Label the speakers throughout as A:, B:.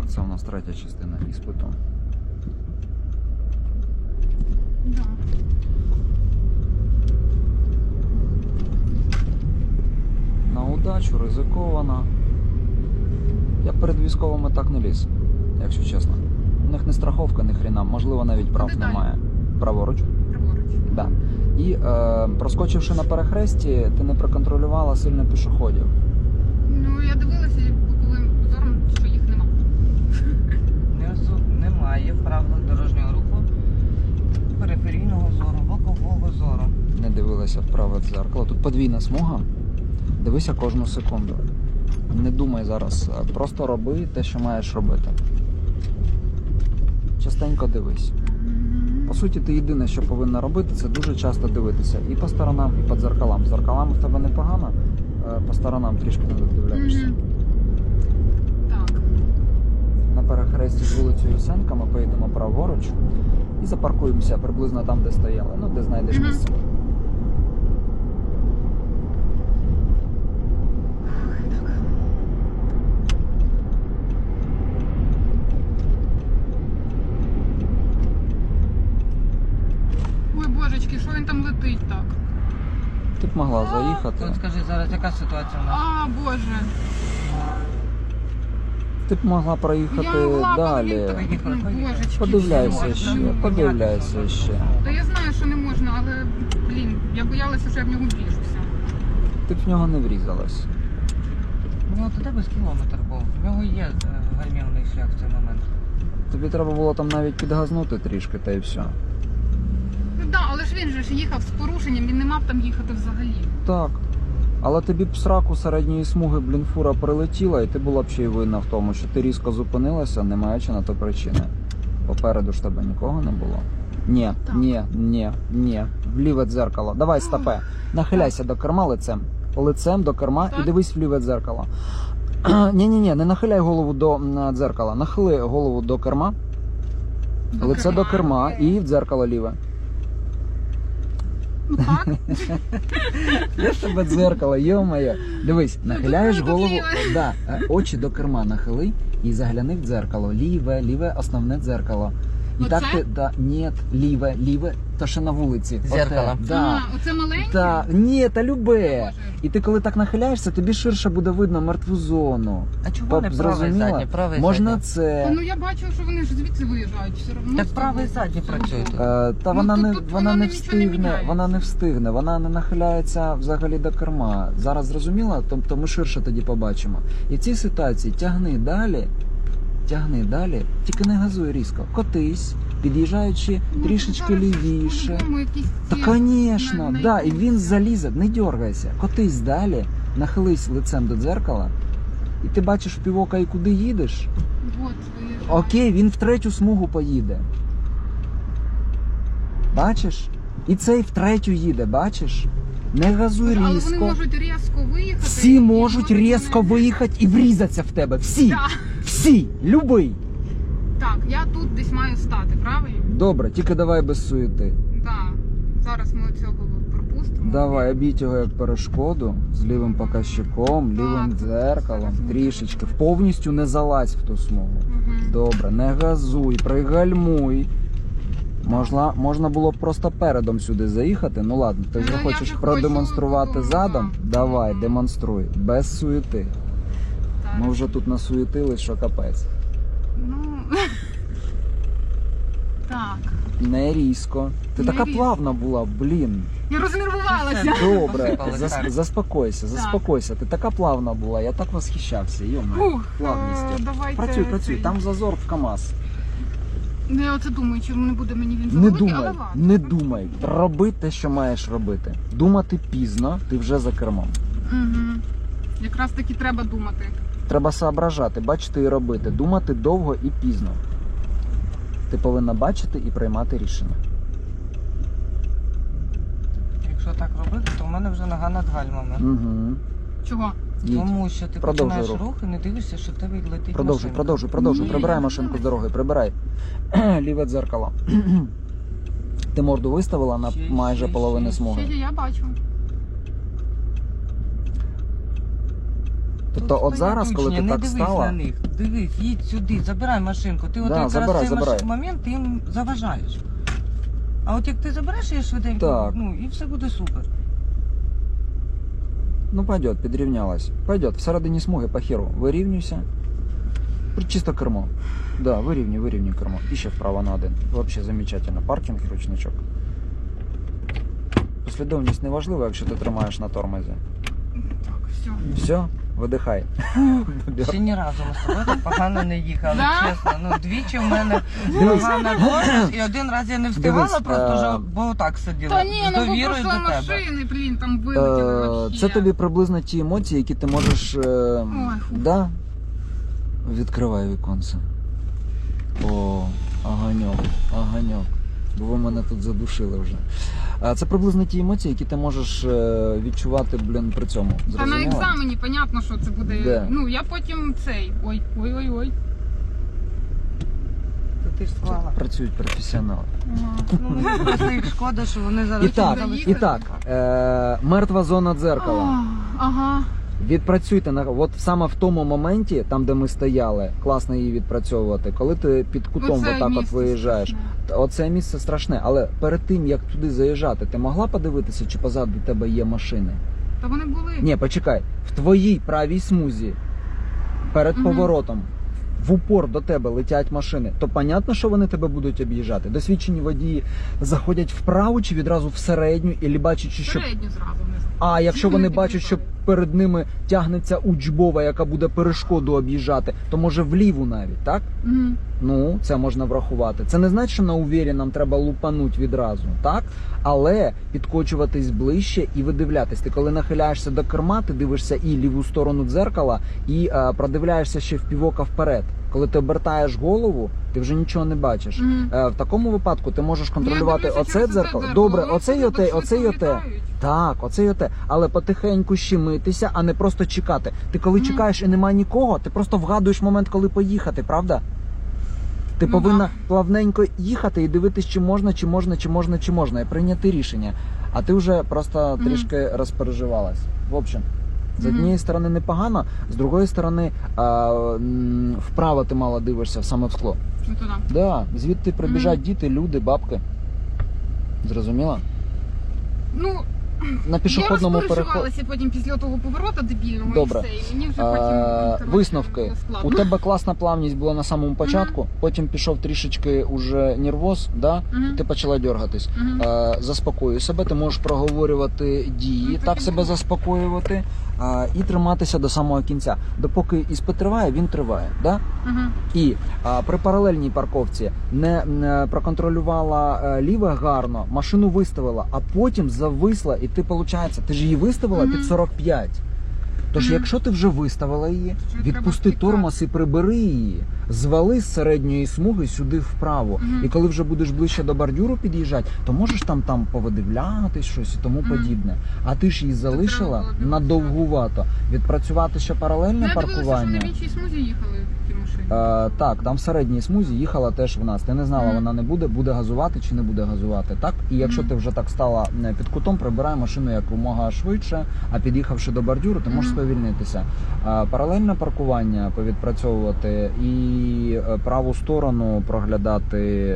A: Це у нас третя частина іспиту.
B: Да.
A: На удачу, ризиковано. Я перед військовими так не ліз, якщо чесно. У них не страховка, ні хрена, можливо, навіть прав
B: Куди далі?
A: немає. Праворуч?
B: Праворуч.
A: Да. І проскочивши на перехресті, ти не проконтролювала сильно пішоходів.
B: Ну, я дивилася боковим зором, що їх нема.
C: Немає в правилах дорожнього руху периферійного зору, бокового зору.
A: Не дивилася в праве дзеркало. Тут подвійна смуга. Дивися кожну секунду. Не думай зараз. Просто роби те, що маєш робити. Частенько дивись. По суті, ти єдине, що повинна робити, це дуже часто дивитися. І по сторонам, і по дзеркалам. З дзеркалами в тебе непогано, по сторонам трішки не додивляєшся.
B: Так.
A: На перехресті з вулицею Ясенка ми поїдемо праворуч і запаркуємося приблизно там, де стояли. Ну, де знайдеш місце.
B: Ой, божечки, що він там летить так?
A: Ти б могла заїхати.
C: От скажи, зараз яка ситуація у нас?
B: А, боже.
A: Ти б могла проїхати
B: Я могла
A: далі.
B: поїхати. Божечки.
A: Подивляйся
B: все.
A: ще,
B: Ну,
A: подивляйся ще.
B: Та я знаю, що не можна, але, блін, я боялася, що я в нього вріжуся.
A: Ти б в нього не врізалась.
C: У нього туди без кілометр був. В нього є гальмівний шлях в цей момент.
A: Тобі треба було там навіть підгазнути трішки, та й все.
B: Ну так, але ж він же ж їхав з порушенням, він не мав там їхати взагалі.
A: Так. Але тобі б сраку середньої смуги, блін, фура прилетіла, і ти була б ще й винна в тому, що ти різко зупинилася, не маючи на то причини. Попереду ж тебе нікого не було. Ні,
B: Так.
A: ні. В ліве дзеркало. Давай, стопе. Нахиляйся до керма лицем. Лицем до керма
B: Так.
A: і дивись в ліве дзеркало. Ні, не нахиляй голову до дзеркала. Нахили голову до керма, лице до керма і в дзеркало ліве.
B: Ну так.
A: Я ж тебе дзеркало, йо-моє. Дивись, нахиляєш
B: тут
A: голову,
B: ліве.
A: да, очі до керма нахили і загляни в дзеркало. Ліве основне дзеркало. І
B: Оце?
A: так ти, да, ні, ліве, то ще на вулиці.
C: Дзеркало.
A: Оте, да.
B: А, оце маленьке?
A: Та, ні, та любе.
B: Боже.
A: І ти коли так нахиляєшся, тобі ширше буде видно мертву зону.
C: А чого не правий задній? Правий
A: Можна
C: задній.
A: це.
B: Ну я бачу, що вони ж звідси виїжджають все одно.
C: Так правий задній працює тут.
A: Та
B: Ну,
A: вона
B: тут-
A: не
B: тут
A: вона не
B: нічого не
A: встигне,
B: міняється.
A: вона не нахиляється взагалі до керма. Зараз зрозуміла, тобто ми ширше тоді побачимо. І в цій ситуації тягни далі, тільки не газуй різко. Котись, під'їжджаючи
B: Ну,
A: трішечки
B: зараз
A: лівіше.
B: по-любому якісь
A: Та,
B: ці
A: звісно,
B: на-
A: да, і він залізе, не дергайся, котись далі, нахились лицем до дзеркала, і ти бачиш в півока і куди їдеш.
B: Вот, виїжджають.
A: Окей, він в третю смугу поїде. Бачиш? І цей в третю їде, бачиш? Не газуй
B: Але вони
A: різко.
B: можуть різко виїхати.
A: Всі
B: і
A: можуть різко виїхати і врізатися в тебе. Всі!
B: Да.
A: Всі! Любий!
B: Так, я тут десь маю стати, правильно?
A: Добре, тільки давай без суєти.
B: Так. Зараз ми цього пропустимо.
A: Давай, обійдь його як перешкоду з лівим показчиком, лівим
B: Так,
A: дзеркалом,
B: зараз ми
A: трішечки.
B: це
A: Повністю не залазь в ту смугу.
B: Мгм.
A: Добре, не газуй, пригальмуй. Можна було б просто передом сюди заїхати. Ну ладно, ти вже
B: Ну, я
A: хочеш
B: вже
A: продемонструвати
B: хочу,
A: задом?
B: да.
A: Давай, демонструй. Без суєти.
B: Так.
A: Ми вже тут насуєтились, що капець.
B: Ну... Так.
A: Не різко. Ти
B: Не
A: така
B: різко.
A: плавна була, блін.
B: Я рознервувалася.
A: Добре,
C: Посипали, так.
A: заспокойся. Ти така плавна була, я так восхищався. Йома,
B: Фух,
A: плавністю.
B: давайте
A: Працюй,
B: цей.
A: там зазор в КамАЗ.
B: Ну, я оце думаю, чи не буде мені він
A: Не
B: завеликий,
A: думай,
B: але ладно.
A: не думай. Роби те, що маєш робити. Думати пізно, ти вже за кермом.
B: Угу. Якраз таки треба думати.
A: Треба соображати, бачити і робити. Думати довго і пізно. Ти повинна бачити і приймати рішення.
C: Якщо так робити, то в мене вже нога над гальмами.
A: Угу.
B: Чого?
C: Тому що ти
A: Продовжуй
C: починаєш
A: рух.
C: рух і не дивишся, що в тебе летить
A: Продовжуй.
B: Ні,
A: Прибирай
B: я
A: машинку з
B: не
A: дороги, прибирай. Ліве дзеркало. Ти морду виставила на
C: Ще,
A: майже
C: ще,
A: половину
C: ще.
A: смуги.
B: Ще я бачу.
A: Тобто от
C: Тут
A: зараз, коли ти
C: не
A: так
C: дивись
A: стала-
C: на них. Дивись, їдь сюди, забирай машинку. Ти от
A: Да,
C: якраз
A: забирай,
C: цей
A: забирай.
C: момент ти їм заважаєш. А от як ти забереш її швиденько,
A: Так.
C: ну і все буде супер.
A: Ну пойдет, підрівнялась. Пойдет, всередині смуги по херу. Вирівнюйся. Чисто кермо. Да, вирівнюй кермо. І ще вправо на один. Вообще замечательно. Паркінг і ручничок. Послідовність не важлива, якщо ти тримаєш на тормозі.
B: Так, все.
A: Все, видихай.
C: Ще ні разу ми з тобою так погано не їхали,
B: Да?
C: чесно. Ну, двічі в мене
A: Дивись.
C: погана тормоз, і один раз я не встигала,
A: Дивись,
C: просто вже, бо отак сиділа.
B: Та ні,
C: з
B: ну бо
C: довірою
B: пройшли
C: до тебе.
B: машини, блін, там вилетіли вообще.
A: Це тобі приблизно ті емоції, які ти можеш.
B: фу.
A: Да? Відкривай віконце. О, оганьок. Бо ви мене тут задушили вже. Це приблизно ті емоції, які ти можеш відчувати, блін, при цьому.
B: Та на
A: Зрозуміла?
B: екзамені, понятно, що це буде.
A: Де?
B: Ну, я потім цей. Ой.
C: То ти ж склала.
A: Працюють професіонали.
B: Ага.
C: Ну, мені просто їх шкода, що вони зараз...
A: І так,
B: заїхали.
A: і так, мертва зона дзеркала.
B: Ага.
A: Відпрацюйте от саме в тому моменті, там де ми стояли, класно її відпрацьовувати. Коли ти під кутом
B: Оце
A: отак от
B: місце
A: виїжджаєш,
B: страшне.
A: оце місце страшне. Але перед тим як туди заїжджати, ти могла подивитися, чи позаду тебе є машини?
B: Та вони були.
A: Ні, почекай, в твоїй правій смузі перед
B: Мгм.
A: поворотом. В упор до тебе летять машини, то понятно, що вони тебе будуть об'їжджати. Досвідчені водії заходять вправо чи відразу в середню, і бачать, що
B: Середню зразу вниз.
A: А якщо вони бачать, що
B: під'їхали.
A: перед ними тягнеться учбова, яка буде перешкоду об'їжджати, то може вліву навіть, так?
B: Мгм.
A: Ну, це можна врахувати. Це не значить, що на увірі нам треба лупануть відразу, так? Але підкочуватись ближче і видивлятись. Ти коли нахиляєшся до керма, ти дивишся і ліву сторону дзеркала, і продивляєшся ще в півока вперед. Коли ти обертаєш голову, ти вже нічого не бачиш.
B: Мгм.
A: В такому випадку ти можеш
B: Ну, я
A: контролювати
B: дивлюся
A: оце
B: через
A: дзеркало. Добре,
B: Вони
A: оце і
B: так
A: оте,
B: швидко
A: оце і оте.
B: літають.
A: Так, оце і оте. Але потихеньку щемитися, а не просто чекати. Ти коли
B: Мгм.
A: чекаєш і нема нікого, ти просто вгадуєш момент, коли поїхати, правда? Ти
B: Ну,
A: повинна
B: да.
A: плавненько їхати і дивитись, чи можна, і прийняти рішення. А ти вже просто
B: Мгм.
A: трішки розпереживалась. В общем, з
B: Мгм.
A: однієї сторони непогано, з другої сторони вправо ти мало дивишся, саме в скло.
B: Ну, туди.
A: Да, звідти прибіжать
B: Мгм.
A: діти, люди, бабки. Зрозуміла?
B: Ну,
A: На пішохідному
B: я
A: переході.
B: розпереживалася потім після того повороту дебільного
A: Добре.
B: і все. І мені вже потім коротше,
A: Висновки.
B: було складно.
A: У тебе класна плавність була на самому початку, потім пішов трішечки уже нервоз, да?
B: Мгм.
A: Ти почала дергатись.
B: Мгм.
A: Заспокоюй себе, ти можеш проговорювати дії,
B: Ну,
A: так
B: так і
A: себе
B: було.
A: заспокоювати і триматися до самого кінця. Допоки іспит триває, він триває. Да?
B: Мгм.
A: І при паралельній парковці не проконтролювала ліве гарно, машину виставила, а потім зависла, і ти, виходить, ти ж її виставила
B: Мгм.
A: під 45. Тож,
B: Мгм.
A: якщо ти вже виставила її,
B: Що
A: відпусти
B: треба
A: тормоз і прибери її, звали з середньої смуги сюди вправо.
B: Мгм.
A: І коли вже будеш ближче до бордюру під'їжджати, то можеш там повидивлятись щось і тому
B: Мгм.
A: подібне. А ти ж її залишила
B: треба було
A: надовгувато. Відпрацювати ще паралельне
B: Ну, я дивилася, що
A: паркування.
B: на іншій смузі їхали ті машини.
A: Так, там в середній смузі їхала теж в нас. Ти не знала,
B: Мгм.
A: вона не буде газувати чи не буде газувати. Так? І якщо
B: Мгм.
A: ти вже так стала під кутом, прибирай машину якомога швидше, а під'їхавши до бордюру, ти можеш
B: Мгм.
A: сповільнитися. Паралельне паркування повідпрацьовувати і праву сторону проглядати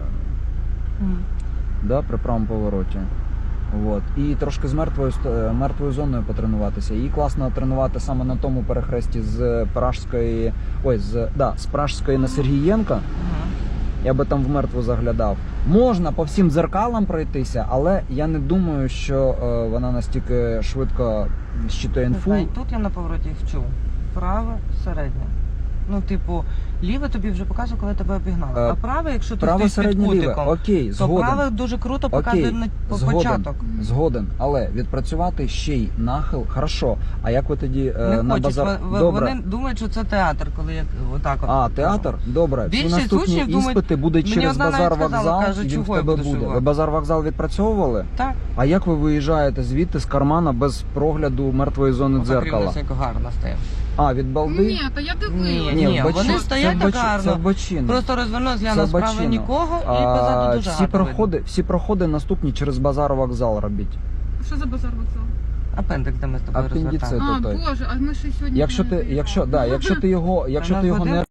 A: да, при правому повороті. От. І трошки з мертвою зоною потренуватися. Її класно тренувати саме на тому перехресті з Пражської, з Пражської на Сергієнка.
C: Мгм.
A: Я би там в мертву заглядав. Можна по всім дзеркалам пройтися, але я не думаю, що вона настільки швидко щитує
C: Не
A: інфу.
C: знаю, тут я на повороті вчу. Праве, середнє. Ну, типу, ліве тобі вже показує, коли тебе обігнали.
A: Е,
C: А праве, якщо ти
A: Право
C: стоїш під
A: середнє ліве.
C: кутиком,
A: Окей,
C: то
A: згоден.
C: праве дуже круто показує
A: Окей,
C: на
A: згоден.
C: початок.
A: Згоден, але відпрацювати ще й нахил, хорошо. А як ви тоді
C: Не
A: на
C: хочуть.
A: базар?
C: Вони думають, що це театр, коли я отак от.
A: А, театр? Добре. Всі
C: Більшість
A: наступні
C: учнів думають-
A: іспити будуть
C: Мені
A: через
C: одна навіть
A: базар
C: сказала,
A: вокзал,
C: каже,
A: і він
C: чого
A: в
C: я
A: тебе
C: буду
A: буде.
C: шивати?
A: Ви базар вокзал відпрацьовували?
C: Так.
A: А як ви виїжджаєте звідти з кармана без прогляду мертвої зони
C: Отак
A: дзеркала?
C: рівнесенько гарно стояв.
A: А, від балди?
B: Ні, та я дивилася.
C: Ні,
A: в бочину.
C: вони стоять
A: Це в
C: так
A: бочину,
C: гарно.
A: Це в бочину.
C: Просто розвернувся,
A: Це
C: гляну справа
A: бачино.
C: нікого і позаду дуже
A: всі
C: гарно видно.
A: проходи наступні через базар вокзал робіть.
B: Що за базар вокзал?
C: Апендикс, де ми з тобою
A: Апендицит.
C: розвертали.
B: А,
A: той.
B: Боже, а ми ще сьогодні...
A: Якщо ти, якщо ти його не